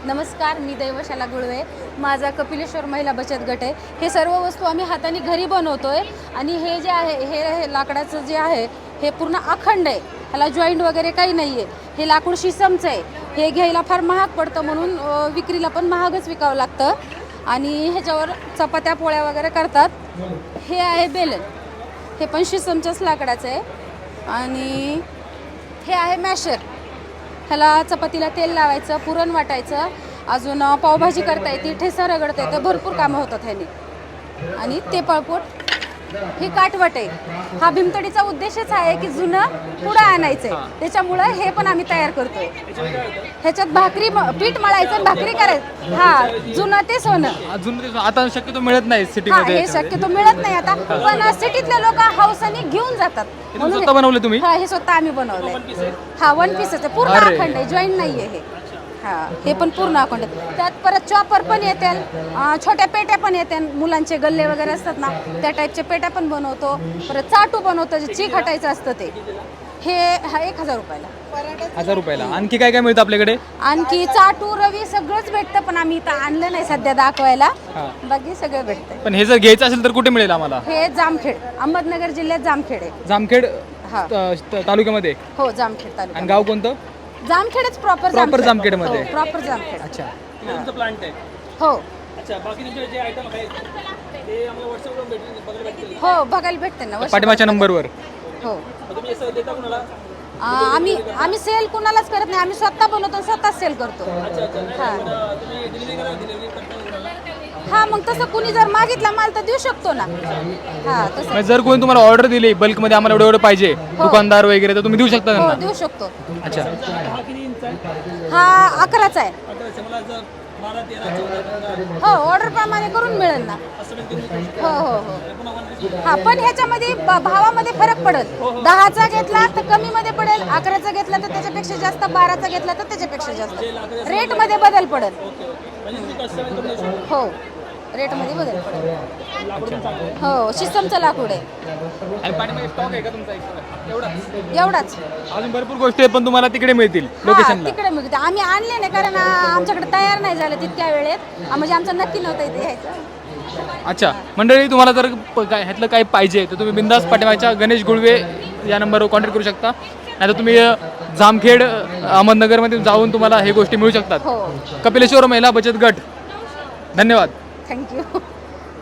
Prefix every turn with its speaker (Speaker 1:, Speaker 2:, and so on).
Speaker 1: नमस्कार, मी दैवशाला गुळवे. माझा कपिलेश्वर महिला बचत गट आहे. हे सर्व वस्तू आम्ही हाताने घरी बनवतोय आणि हे जे आहे हे लाकडाचं जे आहे हे पूर्ण अखंड आहे. ह्याला जॉईंट वगैरे काही नाही आहे. हे लाकूड शिसमचं आहे. हे घ्यायला फार महाग पडतं म्हणून विक्रीला पण महागच विकावं लागतं आणि ह्याच्यावर चपात्या पोळ्या वगैरे करतात. हे आहे बेलन, हे पण शिसमच्याच लाकडाचं आहे आणि हे आहे मॅशर. ह्याला चपातीला तेल लावायचं, पुरण वाटायचं, अजून पावभाजी करता येते, ठेसा रगडता येतं, भरपूर कामं होतात ह्याने. आणि ते पळपोट हे काटवट आहे. हा भीमतडीचा उद्देशच आहे की जुनं पुढं आणायचं आहे, त्याच्यामुळं हे पण आम्ही तयार करतोय. ह्याच्यात भाकरी पीठ मळायचं, भाकरी करायचं. हा, जुनं ते सोनं.
Speaker 2: आता शक्यतो मिळत नाही सिटीमध्ये.
Speaker 1: हे शक्यतो मिळत नाही आता, पण सिटीतले लोक हौसाने घेऊन जातात.
Speaker 2: स्वतः बनवले तुम्ही?
Speaker 1: हा, हे स्वतः आम्ही बनवलंय. हा, वन पीस आहे, पूर्ण अखंड आहे, जॉईंट नाहीये हे. हा, हे पण पूर्ण अखंड आहे. त्यात परत चॉपर पण येते, छोट्या पेट्या पण येते, मुलांचे गल्ले वगैरे असतात ना त्या टाईपच्या पेट्या पण बनवतो. परत चाटू बनवतो, जे चीक हटायचं असतं ते. हे 1000 रुपयाला.
Speaker 2: 1000 रुपयाला. आणखी काय काय मिळतं आपल्याकडे?
Speaker 1: आणखी चाटू रवी सगळंच भेटतं, पण आम्ही इथं आणलं नाही सध्या दाखवायला. बाकी सगळं भेटतं.
Speaker 2: पण हे जर घ्यायचं असेल तर कुठे मिळेल आम्हाला?
Speaker 1: हे जामखेड, अहमदनगर जिल्ह्यात जामखेड आहे.
Speaker 2: जामखेड तालुक्यामध्ये?
Speaker 1: हो, जामखेड तालुका.
Speaker 2: आणि गाव कोणतं?
Speaker 1: जामखेडच प्रॉपर
Speaker 2: जामखेड मध्ये.
Speaker 1: प्रॉपर जामखेड.
Speaker 2: अच्छा.
Speaker 3: तुमचं प्लांट आहे?
Speaker 1: हो.
Speaker 3: अच्छा, बाकी तुमचे जे आयटम आहेत ते आम्हाला व्हॉट्सअपवर बघायला भेटतील?
Speaker 1: हो, बघायला भेटते ना
Speaker 2: पाठीमागच्या नंबरवर.
Speaker 1: हो.
Speaker 3: तुम्ही असं देता कोणाला?
Speaker 1: आम्ही सेल कुणालाच करत नाही, आम्ही स्वतः बनवतो, स्वतः सेल करतो.
Speaker 3: अच्छा अच्छा.
Speaker 1: हा.
Speaker 3: तुम्ही डिलिव्हरी करता कोणाला?
Speaker 1: हा, मग तसं कुणी जर मागितला माल तर देऊ शकतो ना. हा, तसं.
Speaker 2: म्हणजे जर कोणी तुम्हाला ऑर्डर दिली बल्कमध्ये आम्हाला एवढं पाहिजे, दुकानदार वगैरे, तर तुम्ही देऊ शकता
Speaker 1: हो,
Speaker 2: त्यांना?
Speaker 1: देऊ शकतो.
Speaker 2: अच्छा.
Speaker 3: हा किती इंच आहे?
Speaker 1: हा 11चा आहे.
Speaker 3: अच्छा, मला जर 12, 13, 14, 15
Speaker 1: हो, ऑर्डर प्रमाणे करून मिळेल ना.
Speaker 3: असं पण तुम्ही
Speaker 1: हो हो हो. हा, पण ह्याच्यामध्ये भावामध्ये फरक पडेल. 10चा घेतला तर कमीमध्ये पडेल, 11चा घेतला तर त्याच्यापेक्षा जास्त, 12चा घेतला तर त्याच्यापेक्षा जास्त. रेटमध्ये बदल पडेल.
Speaker 3: म्हणजे तुम्ही कस्टमाइज करून देऊ शकता?
Speaker 1: हो, रेटमध्ये बदल पडेल. हो, शिसमचं लाकूड आहे.
Speaker 2: आणि पाठीमागे स्टॉक आहे का तुमचा?
Speaker 1: एवढाच.
Speaker 2: अजून भरपूर गोष्टी आहेत पण तुम्हाला तिकडे मिळतील
Speaker 1: हा,
Speaker 2: लोकेशनला.
Speaker 1: तिकडे मिळते. आम्ही आणले नाही कारण आमच्याकडे तयार नाही झालं तितक्या वेळेत. म्हणजे आमचं नक्की नव्हतं इथे यायचं.
Speaker 2: अच्छा मंडळी, तुम्हाला जर काय ह्यातलं काही पाहिजे तर तुम्ही बिंदास पाठीमागच्या गणेश गुळवे या नंबरवर कॉन्टॅक्ट करू शकता. नाहीतर तुम्ही जामखेड अहमदनगरमध्ये जाऊन तुम्हाला हे गोष्टी मिळू शकतात.
Speaker 1: हो.
Speaker 2: कपिलेश्वर महिला बचत गट. धन्यवाद.
Speaker 1: थँक्यू.